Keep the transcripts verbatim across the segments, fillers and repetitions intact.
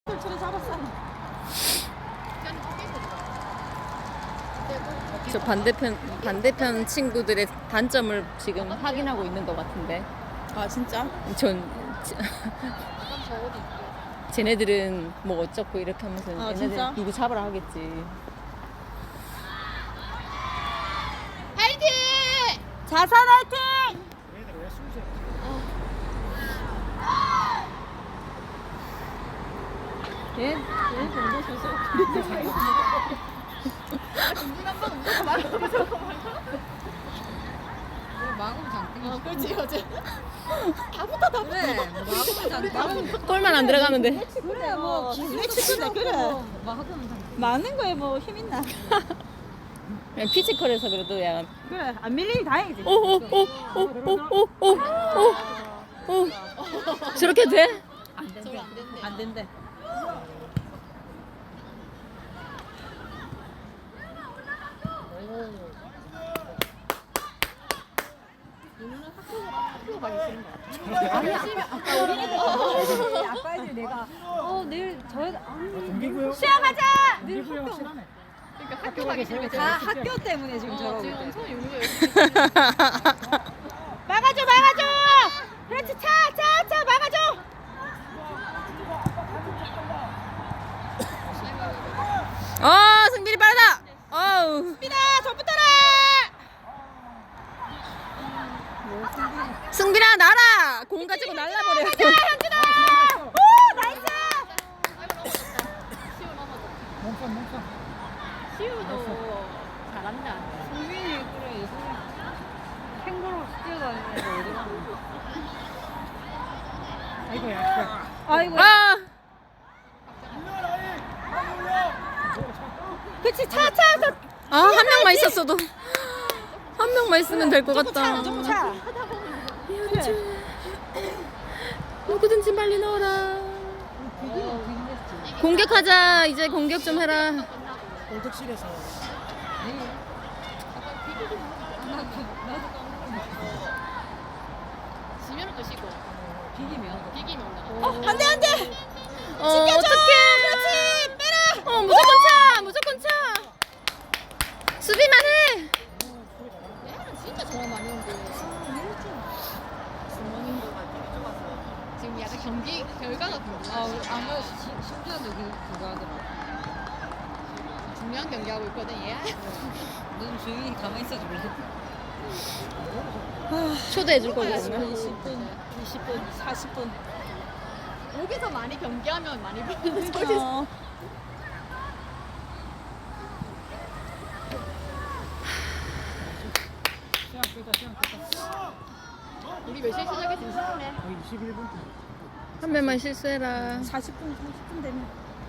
저 반대편 반대편 친구들의 단점을 지금 확인하고 있는 것 같은데. 아 진짜? 전 쟤네들은 뭐 어쩌고 이렇게 하면서 아, 얘네들 진짜? 누구 잡으라 하겠지. 화이팅! 자산 화이팅! 얘, 얘 정도 주소. 마금 장땡이. 어, 그렇지 어제. 다 붙어 다 그래. 붙어. 마금 장땡. 골만 안 들어가면 돼. 그래 뭐 기술의 친구네 그래. 많은 거에 뭐 힘 있나? 그냥 피지컬에서 그래도 약간 그래 안 밀리니 다행이지. 오오오오오오오 저렇게 돼? 안 된대. 안 된대. 안 된대. 아니야. 아까 우리 아까 이제 내가 어 내일 저 아니 시험 가자. 내일 학교. 그러니까 학교 가기 싫으면 다 학교 때문에 지금 어, 저러고 지금 있대. 엄청 용기가 열심히. 막아줘 막아줘. 그렇지 차차차 막아줘. 아 승빈이 빠르다. 어우 민아 저 붙어라. 승빈아 날아. 공 가지고 날라버려. 현준아. 오 나이스. 시우도 잘한다. 승빈이 그래 캥거루 뛰어다니는 거 어디 가는 아이고야. 아이고. 아 그렇지 차차 아, 한 명만 있었어도 한 명만 있으면 될 것 같다. 조금 차. 현주 누구든지 빨리 넣어라. 공격하자. 이제 공격 좀 해라. 골득실에서 지면은 또 쉬고 비기면. 비기면 올라가. 어 안돼 안돼. 어, 어떡해. 그렇지 빼라. 어, 무조건 차. 무조건 차. 수비만 해. 얘는 진짜 정말 많이 온대. 주머니인 것 같아. 지금 약간 경기 결과가 궁금해. 아 아마 심지어도 그 그거 하더라. 중요한 경기 하고 있거든 얘. 넌 조용히 가만히 있어 줄래? 초대해 줄 거거든요. 이십 분, 이십 분, 사십 분. 여기서 많이 경기하면 많이 보는 거지. 어. 시간 끝다 시간 끝다. 우리 몇 시에 시작했지? 시작해. 거의 이십일 분. 한 명만 실수해라. 사십 분, 삼십 분 되면.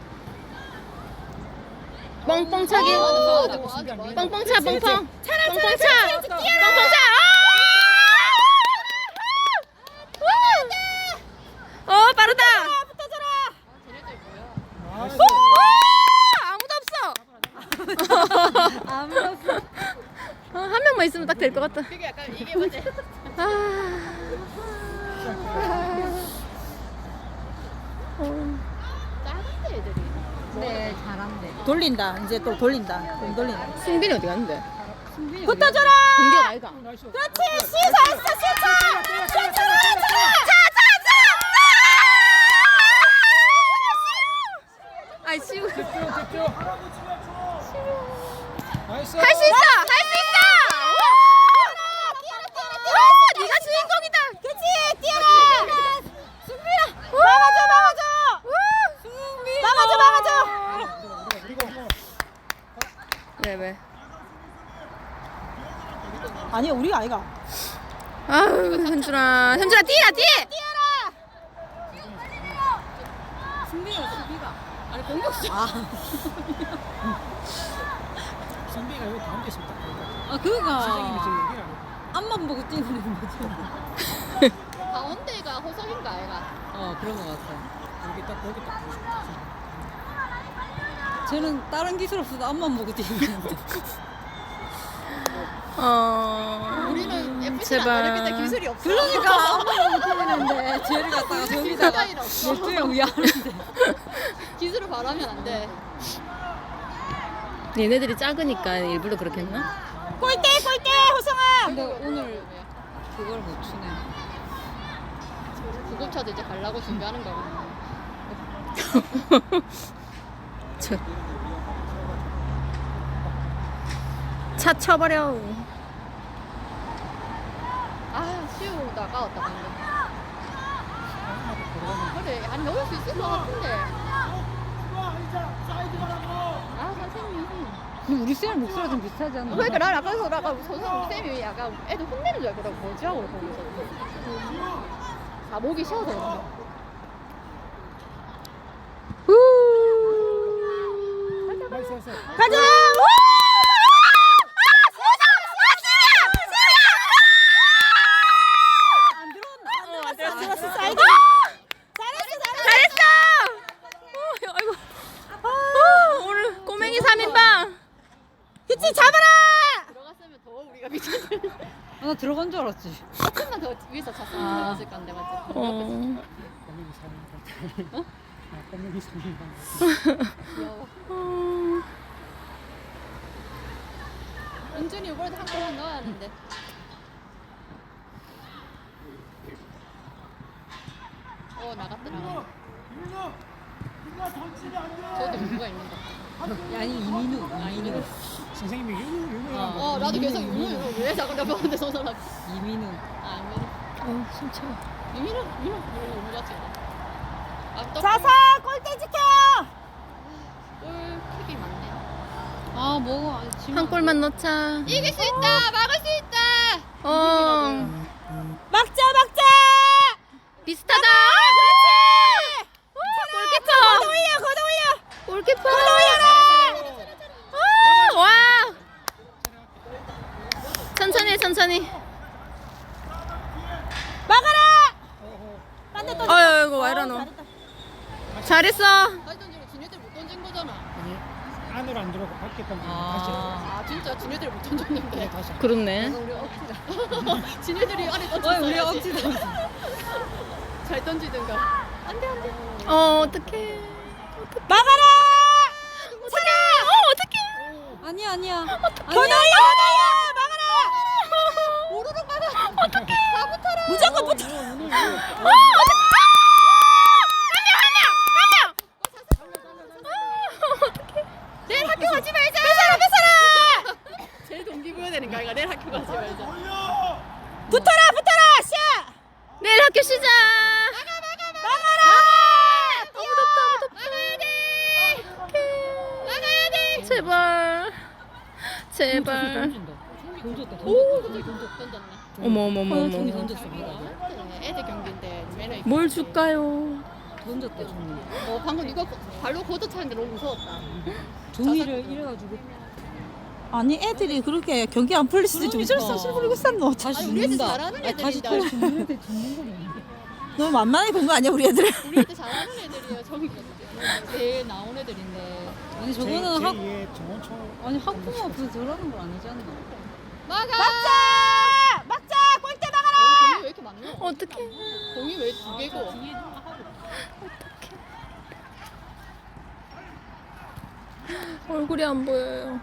뻥뻥 차기. 맞아, 맞아, 맞아. 뻥뻥 차 뻥뻥. 뻥뻥 차. 뻥뻥 차. 아! 어 빠르다. 쟤네들 뭐야? 나이스. 아무도 없어. 아무도 없어. 어, 한 명만 있으면 딱 될 것 같다. 그게 약간 이게 뭐지? 아. 어. 작은데 애들이. 네, 잘한대. 돌린다. 이제 또 돌린다. 좀 돌린다. 승빈이 어디 갔는데? 붙어줘라. 공격 아이가. 나이스. 그렇지. 시 잘했어. 시 차. 시 차. 차. 아이 시우. 할 수 집중 집중. 나이스. 있어. 할 수 있어. 오! 네가 주인공이다. 그렇지. 뛰어라. 승빈아. 막아줘. 막아줘. 승빈. 막아줘. 막아줘. 그리고 뭐 네 왜? 아니 우리가 아이가. 아유 현준아, 현준아 뛰어 뛰어. 승빈이가 수비가. 아니 공격수. 아. 선비가 여기 가운데 있습니다. 아 그가. 선생님이 지금 여기라고. 앞만 보고 뛰는 거지. 가운데가 호석인가 아이가? 어 그런 거 같아. 여기 딱 여기 딱 보고 싶다. 쟤는 다른 기술 없어도 앞만 보고 뛰는데. 어. 우리는 예쁘지 제발. 않아. 근데 기술이 없어. 그러니까 앞만 보고 뛰는데 쟤를 갖다가 저기다가 기술 없어. 열두에 우야하는데. 바라면 안 돼. 얘네들이 작으니까 일부러 그렇게 했나? 골대 골대 호성아. 근데 오늘 그걸 못 추네. 구급차도 이제 가려고 준비하는 거거든요. 저... 차 쳐버려. 아, 시우 나가왔다 방금. 그래, 안 넣을 수 있을 것 같은데. 아, 선생님. 근데 우리 쌤 목소리가 좀 비슷하지 않나? 그러니까 난 아까 서 아까 선생님 쌤이 약간 애들 혼내는 줄 알고 뭐지 하고 거기서. 아, 목이 쉬어서 그런가. 나이스 나이스. 가자. 안 들어왔나? 안 들어왔어. 사이드. 잘했어. 어, 아이고. 어, 오늘 꼬맹이 삼 인방. 그치 잡아라. 들어갔으면 더 우리가 미쳤을. 아, 나 들어간 줄 알았지. 조금만 더 위에서 찼으면 들어갔을 건데 맞지? 어. 꼬맹이 사는 거. 아, 꼬맹이 사는 거. 귀여워. 어. 은준이 이번에도 한 골만 넣어야 하는데. 어 나갔다 나갔다. 저도 누가 있는 것 같아. 아니 이민우. 이민우. 선생님이 윤우 윤우. 어 나도 계속 윤우 윤우 왜 자꾸 잡았는데 저 사람. 이민우. 아 이민우. 어, 진짜. 이민우 이민우 이민우 윤우 같지. 아 또. 자사 골대 지켜. 골 킥이 많네. 아 뭐. 한 골만 넣자. 이길 수 있다 막을 수 있다. 어. 막자 막자. 비슷하다. 그렇지. 골키퍼. 걷어 올려 걷어 올려. 골키퍼. 올려라. 아, 와. 천천히 천천히. 막아라. 딴데 또. 아이고 와 이러노. 잘했어. 다시 던지고 지네들 못 던진 거잖아. 아니 안으로 안 들어가고 밖에 던지면 아 진짜 지네들 못 던졌는데. 다시. 다시. 그렇네. 우리 억지다. 지네들이 안에 던졌어. 우리 억지다. 잘 던지든가. 안돼 안돼. 어 어떡해. 막아라. 어떡해. 어 어떡해. 아니야 아니야. 어떡해. 걷어 올려 걷어 올려. 막아라. 오르륵 막아. 어떡해. 다 붙어라. 무조건 붙어. 어 어떡해. 내일 학교 가지 말자. 뺏어라 뺏어라. 제일 동기부여 되는 거 아이가 내일 학교 가지 말자. 붙어라 붙어라. 샤. 내일 학교 쉬자. 나가 나가 나가. 막아라. 너무 덥다 너무 나가야 돼. 나가야 돼. 제발. 제발. 던졌다 오 던졌다. 던졌네. 어머 어머 어머 어머. 던졌어. 그래, 애들 경기인데 매너 있게. 뭘 줄까요? 던졌대 종이. 어 방금 이거 발로 걷어 차는데 너무 무서웠다. 종이를 이래가지고. 아니 애들이 그렇게 경기 안 풀릴 수도 있지. 어쩔 수 없이 부르고 쌌노. 다시 아니 우리 애들 죽는다. 잘하는 아니, 다시 애들인데. 또 죽는 애들 죽는 거네. 너무 만만하게 본 거 아니야 우리 애들? 우리 애들 잘하는 애들이야. 저기 제일 나온 애들인데. 아니 제일 저거는 학 위에 정원초. 아니 학부모 앞에서 저러는 건 아니지 않나? 막아. 막자! 막자! 골대 막아라! 어, 공이 왜 이렇게 많노? 어떡해. 공이 왜 두 개고? 얼굴이 안 보여요.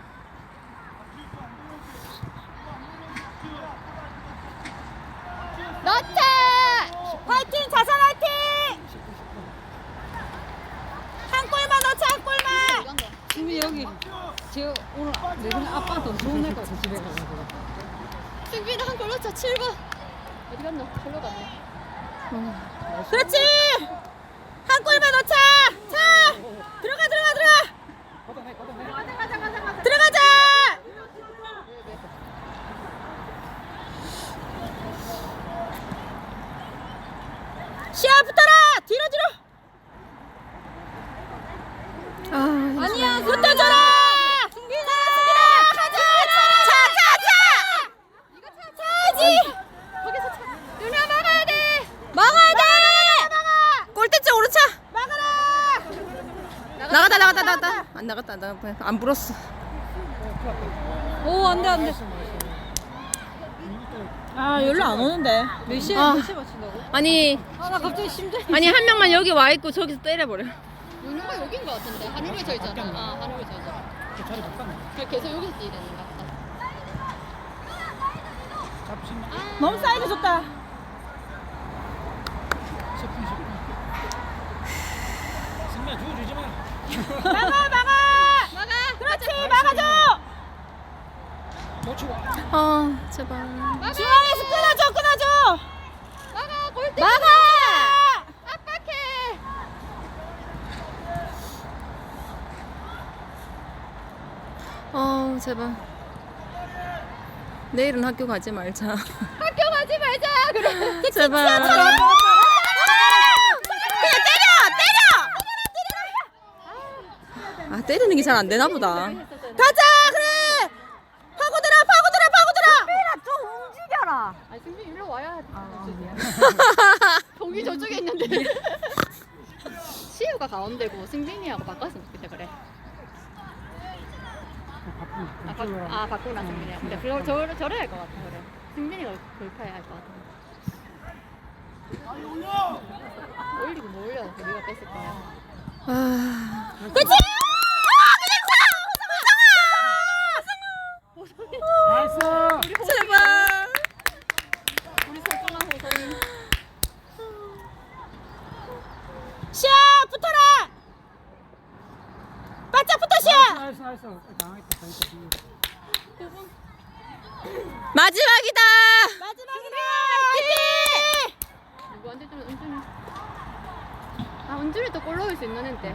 넣자! 화이팅! 자산 화이팅! 한 골만 넣자 한 골만! 지금 여기 제가 오늘 내 그냥 아빠한테 엄청 혼낼 것 같아 집에 가서. 승빈아 한 골 넣자. 칠 번. 어디 갔노? 절로 갔네. 그렇지! 한 골만 넣자! 자! 들어가 들어가 들어가! 들어가자! 시야 붙어라! 뒤로 뒤로! 아, 아니야 붙어줘라! 승빈아! 승빈아! 가자! 차! 차! 차! 이거 차! 차야지! 거기서 차. 누나 막아야 돼. 막아야 돼! 골대째 오른차. 막아라! 나갔다 나갔다 나갔다. 안 나갔다 안 나갔다. 안 불었어. 오 안돼 안돼. 아 연락 안 오는데. 몇 시에 아. 몇 시에 맞춘다고? 아니 아 나 갑자기 심장이. 아니 한 명만 여기 와 있고 저기서 때려버려. 윤호가 여긴 것 같은데 한우를 져 있잖아. 바뀌었나? 아 한우를 져 있잖아. 그 자리 바꿨네. 그래 계속 여기서 뛰야 되는 것 같다. 잡으시면 너무 사이드 좋다. 십 분 십 분. 승리야 주워주지 마. 막아 막아. 막아. 그렇지 막아줘. 놓치고. 아 제발. 중앙에서 끊어줘 끊어줘. 막아 골대. 막아. 압박해. 어 제발. 내일은 학교 가지 말자. 학교 가지 말자. 그래. 제발. 그냥 때려 때려. 아 때리는 게 잘 안 되나 보다. 가자 그래. 파고들어 파고들어 파고들어. 승빈아 좀 움직여라. 아니 승빈 일로 와야. 동이 저쪽에 있는데. 시우가 가운데고 승빈이하고 바꿨으면 좋겠다 그래. 아, 바, 아 바꾸나 승빈이야. 근데 저, 저, 저래 할 것 같아 그래. 승빈이가 골파야 할 것 같아. 올리고 뭐 올려? 우리가 뺐을 거야. 아 그렇지. 나이스. 제발. 우리 소중한 호성이. 샤 붙어라. 바짝 붙어 샤. 나이스 나이스. 당했다 당했다. 마지막이다. 마지막이다. 누구한테 좀 은준이. 아 은준이 또 골 넣을 수 있는 앤데.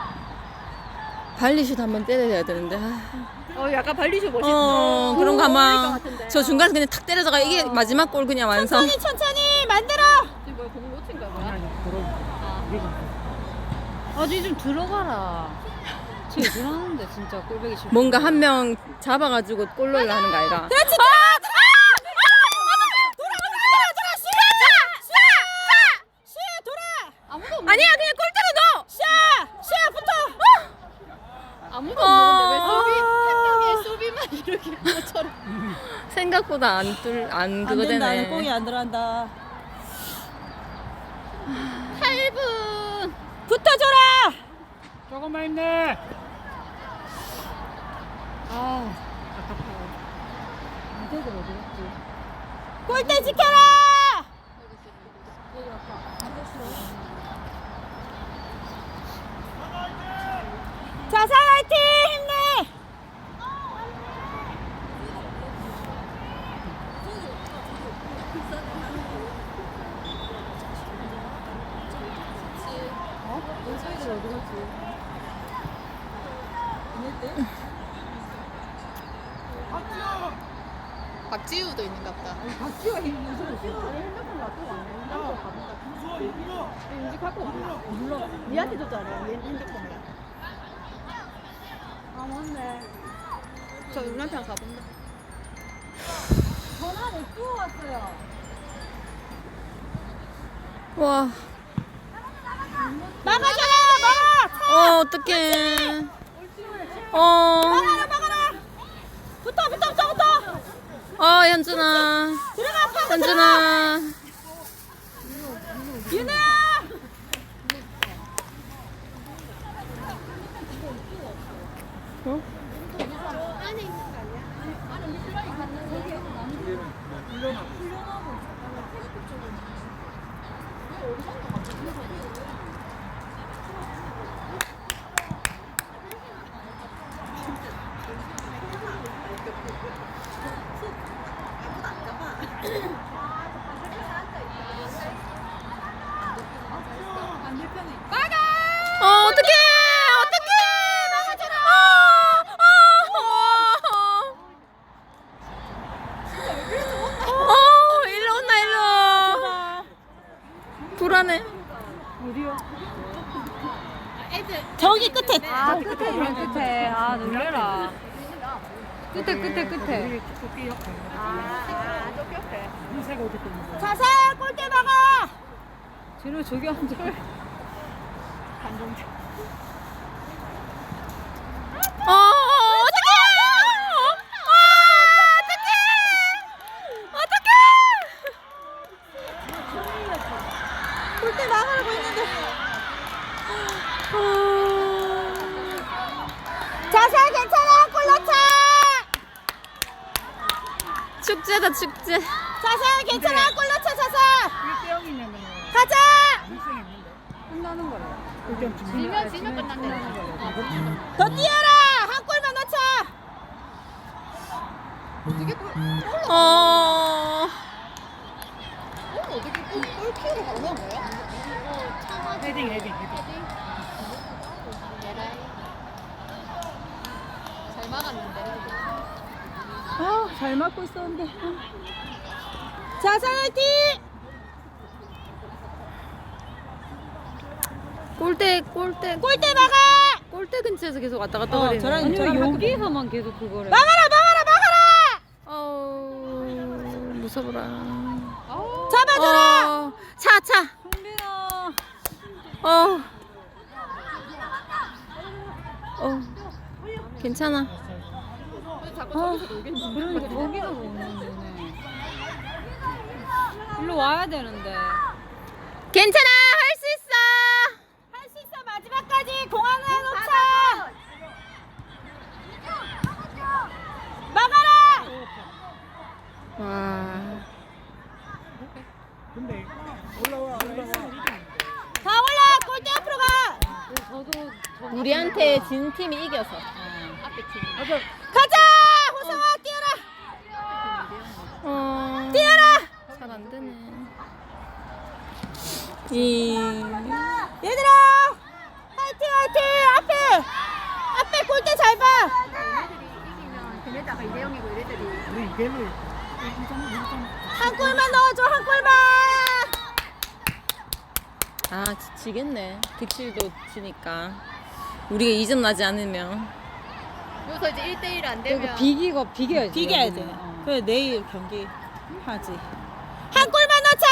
발리슛 한번 때려야 되는데. 아. 어 약간 발리쇼 멋있다. 어 그런 거 어울릴 것 아마 같은데. 저 중간에 그냥 탁 때려다가 이게 마지막 골 그냥 완성. 천천히 천천히 만들어. 지금 뭐야 공 놓친 거야 아니 뭐야? 아니 들어. 아. 우리가 어디 좀 들어가라. 쟤 들어가는데 진짜 꼴보기 싫어. 뭔가 한 명 잡아가지고 골 넣으려 하는 거 아이가. 그렇지. 들어 들어. 돌아 돌아 돌아 시야 시야 시야 돌아. 아무도 없는. 아니야 그냥 골대로 넣어. 시야 시야 붙어. 아무도 어. 없는데 왜 소비 한 명의 소비만 이렇게 것처럼. 생각보다 안뚫안 그거 안 된다. 되네. 공이 안 들어간다. 팔 분. 붙어줘라. 조금만 힘내. 아. 골대 지켜라. 자살 화이팅 힘내. 박지우도 있는가 보다. 박지우가 핸드폰 놔두고 왔네. 핸드폰 가본다. 인지 갖고 왔나? 몰라. 니한테 줬잖아. 얘 핸드폰을. 아 맞네. 저 누나한테 가본다. 전화 냅두고 왔어요. 와. 막아줘라 막아. 어 어떡해. 어. 막아라 막아라. 붙어 붙어 붙어 붙어. 어 현준아. 들어가 파고 들어가. 현준아. 윤아야. 어? 안에 있는 거 아니야? 어 어떡해. 어떡해. 막아줘라. 어, 어, 어, 일로 온나 일로. 불안해. 저기 끝에. 아 끝에 이런 끝에. 아 놀래라. 끝에 끝에 끝에. 토끼 옆에. 아, 저 옆에. 흰색 옷 입고 있는 거. 자살 골대 막아. 쟤는 저기 앉아. 감동적. 어, 어떡해. 어, 어떡해. 어떡해. 골대 막으라고 했는데. 어. 축제다 축제. 자사 괜찮아. 골 넣자 자사. 일 대 영이면은 가자. 가능성이 없는데. 끝나는 거래. 일 대 영 지면 지면 지면 끝난대. 어. 더 뛰어라. 한 골만 넣자. 어떻게 골, 어. 골 어떻게 골, 골키로 바로 넣은 거야? 어, 차가지고. 헤딩 헤딩 헤딩. 에라이. 잘 막았는데. 아, 잘 맞고 있었는데. 자사 화이팅. 골대 골대 골대 막아. 골대 근처에서 계속 왔다 갔다 어, 거리네. 저런- 아니, 저런 왜 여기서만 계속 그거래. 막아라 막아라 막아라. 어 무서워라. 잡아줘라. 어, 차 차. 성빈아. 어. 어. 괜찮아. 자꾸 아, 저기서 놀겠는데. 그러니까 저기가 오는 거네. 일로 와야 되는데. 괜찮아. 할 수 있어. 할 수 있어. 마지막까지 공 하나 놓자. 막아라. 와. 근데 올라와 올라와. 다 올라. 골대 앞으로 가. 저도 저 우리한테 진 팀이 이겨서. 앞에 팀. 가자. 가자. 호성아 뛰어라. 어. 뛰어라. 잘 안 되네. 이. 얘들아. 화이팅 화이팅. 앞에. 앞에 골대 잘 봐. 얘네들이 이기면 걔네들 아까 이 대 영이고 얘네들이. 우리 이대를 일 점 일 점. 한 골만 넣어줘. 한 골만. 아 지치겠네. 득실도 지니까. 우리가 이 점 나지 않으면. 여기서 이제 일 대 일 안 그러니까 되면. 비기가 비겨야지. 비겨야 돼. 여기는. 어. 그래 내일 경기 하지. 한 골만 넣자.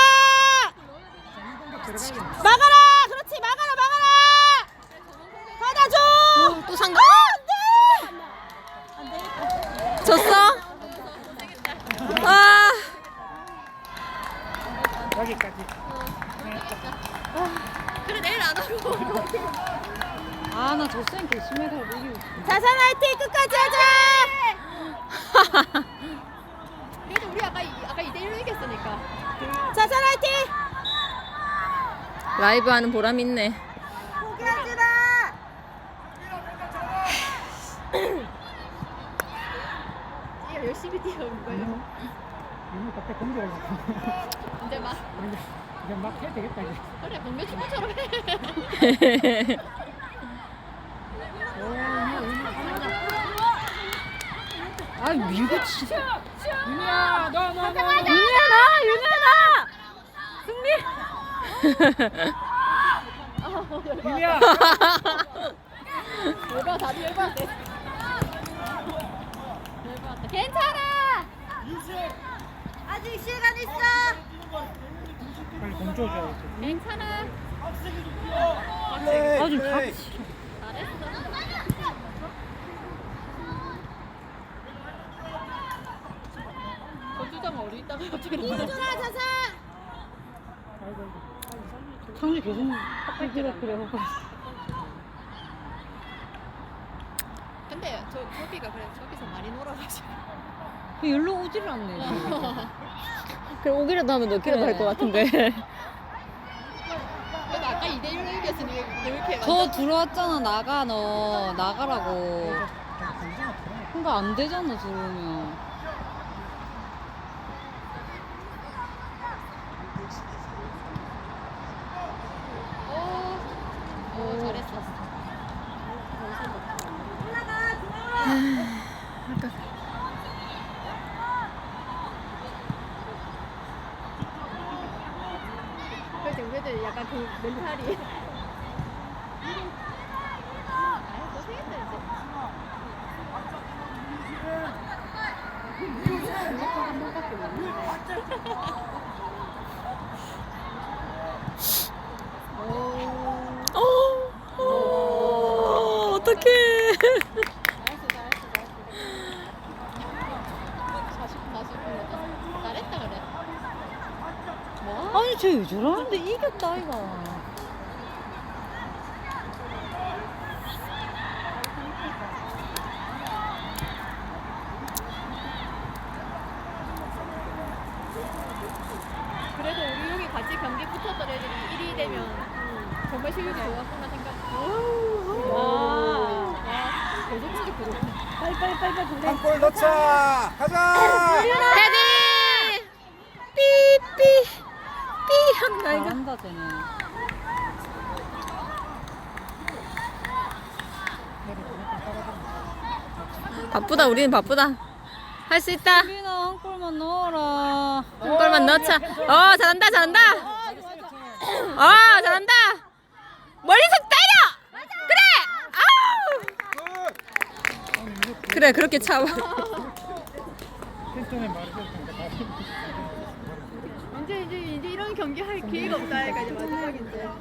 막아라. 그렇지. 막아라. 막아라. 받아줘. 어, 또 상관. 안돼. 졌어? 아. 여기까지. 그래 내일 안 하고. 아, 나 저쌤 개심해서 이기고 싶어. 자산 화이팅 끝까지 하자. 그래도 우리 아까 이- 아까 이 대 일로 이겼으니까. 자산 화이팅. 라이브 하는 보람 있네. 포기하지 마. 얘가 열심히 뛰어온 거예요. 이거 갑자기 공격 올라가. 이제 막 이제 이제 막 해야 되겠다 이제. 그래 공개 축구처럼 해. 아, 밀고 치자. 윤이야 너너 너. 윤현아, 윤현아. 승리. 윤이야. 열받아 다들 열받았대. 열받았다. 괜찮아. 아직 시간 있어. 빨리 공 줘줘야지. 괜찮아. 아, 좀 같이. 잘했어. 거주장 어디 있다가 어떻게 나와? 뛰어줘라 자산. 상주 계속 그래 그래. 근데 저 저기가 그래 저기서 많이 놀아가지고. 그 열로 오지를 않네. 그럼 오기라도 하면 넣기라도 할 것 같은데. 그래도 아까 이 대 일로 이겼으니 왜 이렇게 저 완전 들어왔잖아. 나가 너 나가라고. 그러니까 안 되잖아 들어오면. 어, 어 잘했어. 그래서 우리들 약간 그 멘탈이. 아이 고생했다 이제. 한 번밖에 못 했는데. 어, 어, 어떡해. 잘했어 잘했어 잘했어. 사십 사십 분 잘했다 그래. 뭐? 아니 쟤 왜 저러는데 이겼다 이거. 정말 실력이 좋았구나 생각. 와. 계속 치기 부러. 빨리 빨리 빨리 빨리. 한 골 넣자. 가자. 헤딩! 삐삐 삐 한다 이거. 잘한다 쟤네. 바쁘다 우리는 바쁘다. 할 수 있다. 수빈아 한 골만 넣어라. 한 골만 넣자. 어 잘한다 잘한다. 어 잘한다. 멀리서 때려. 그래. 아우. 그래 그렇게 차. 텐션에 말해줬으니까 다 이제 이제 이제 이런 경기 할 기회가 없다. 그러니까 이제 마지막인데.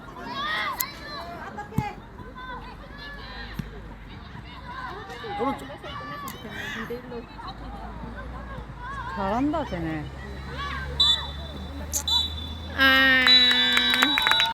오른쪽. 잘한다 쟤네. 아.